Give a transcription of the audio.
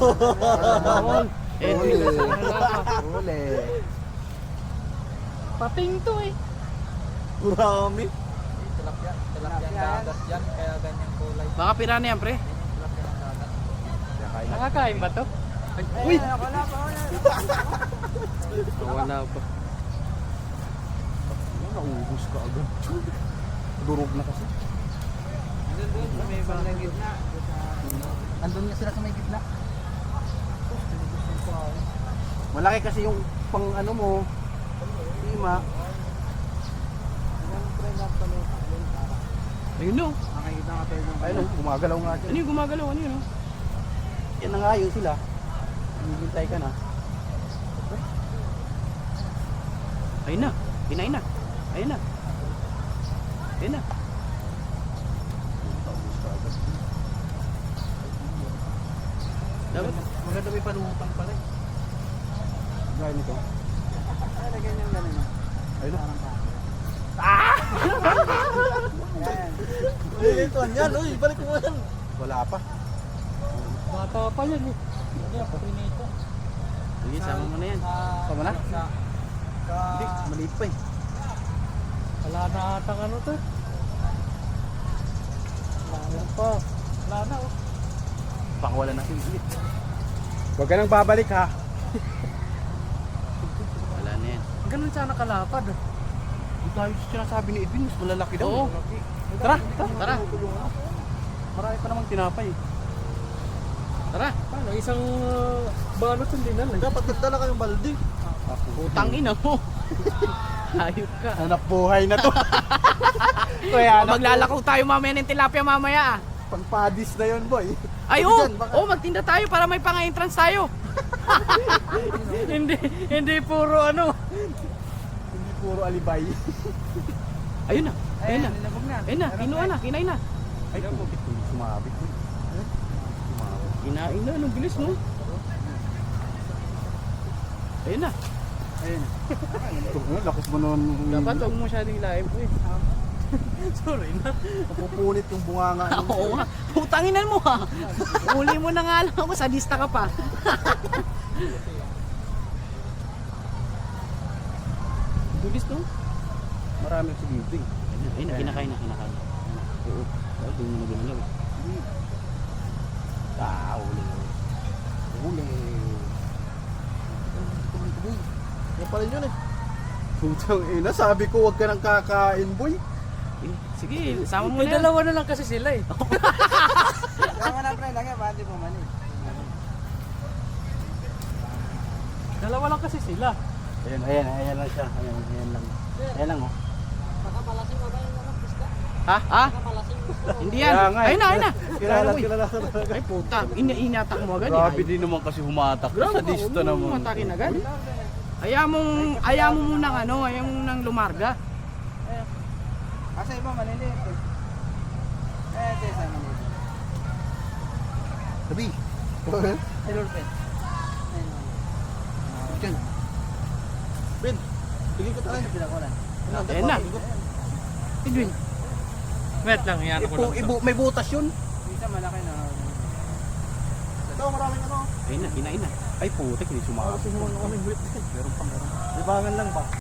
Bawal. Uli. Uli. Pating to eh. Marami. Tilapia dagat yan, kaya ganyang kulay. Baka pirana yan, pre. Tilapia ng dagat. Nakakain ba to? Uy! Wala pa. Wala pa. Naubos ka agad. Durog na kasi. Andun sa may bandang gitna. Andun nga sila sa may gitna. Malaki kasi yung pang ano mo. Lima. Ayun no. Makikita nga tayo ng Ayun, gumagalaw nga siya. Ano yung gumagalaw? Ano yun? No? Yan na nga yun sila. Hinihintay ka na. Ayun na. Ayun na. Ayun na. Ayun na. Dapat. maganda may panutang pala eh. Gaya nito. Ay, lagyan niyang ganun. Ayun. Parang pa. Ito yan, uy, balik mo yan. Wala pa. Bata pa yan eh. Hindi ako pinito. Sige, sama mo na yan. Sama na? Hindi, Hindi. maliit pa eh. Wala na atang ano to. Wala pa. Wala na oh. Pakawala natin ulit. Huwag ka nang babalik ha. Wala na yan. Ganun sana kalapad. Hindi tayo sinasabi ni Edwin, mas malalaki daw. Oo. Tara, Tara. marami pa namang tinapay. Tara. Paano? Isang balot hindi na lang. Dapat nagdala kayong balde. Utang ina mo. Hayop ka. Hanap buhay na to. Kaya Maglalakaw tayo mamaya ng tilapia mamaya. pang-padis na yun, boy. Ay, Sabi oh! dyan, baka- Oh, magtinda tayo para may pang-entrance tayo. Hindi puro ano. Hindi puro alibay. Ayun na. Ayun na. Nilabog na. Ayun na. Kinuha na. Kinain na. Ay, kumapit ko. Sumabit ko. Sumabit. Kinain na. Anong bilis, no? Ayun na. Ayun. Lakas mo nun. Dapat huwag mo masyadong live. Eh. Sorry na. Napupunit yung bunganga. Oo nga. Putanginan mo ha. Uli mo na nga lang ako. Sadista ka pa. Bilis, no? Marami si dito eh. Ayun na. Kinakain na. Kinakain na. Oo. Dahil doon mo na gumalaw. Uli. Uli. Yan pala yun eh. Putang ina, sabi ko huwag ka nang kakain, boy. Eh, sige, sama mo May na yan. dalawa na lang kasi sila eh. Kaya na pre, lagyan ba? Hindi po man eh. Dalawa lang kasi sila. Ayan lang siya. Ayan lang. Ayan lang oh. Baka malasing ba yung ano, pista? Ha? Ha? Baka malasing. Hindi yan. Kaya nga eh. Ayun na, ayun na. Kilala Uy. talaga. Ay puta, inatak mo agad. Grabe din naman kasi humatak. Grabe, Sadista huwag mo naman. matakin agad. Ayaw mo munang ano, ayaw mo munang lumarga. Asa iba maliliit eh. Ito isa naman. Sabi. Silver pen. Diyan. Ben, tingin ko tayo. Pinakulan. Ayan na. Edwin. Wait lang, yan ako lang. May butas yun. Isa malaki na. Ito, maraming ano. Ayun na, kinain na. Ay putik, hindi sumama. Meron pa. Libangan lang ba?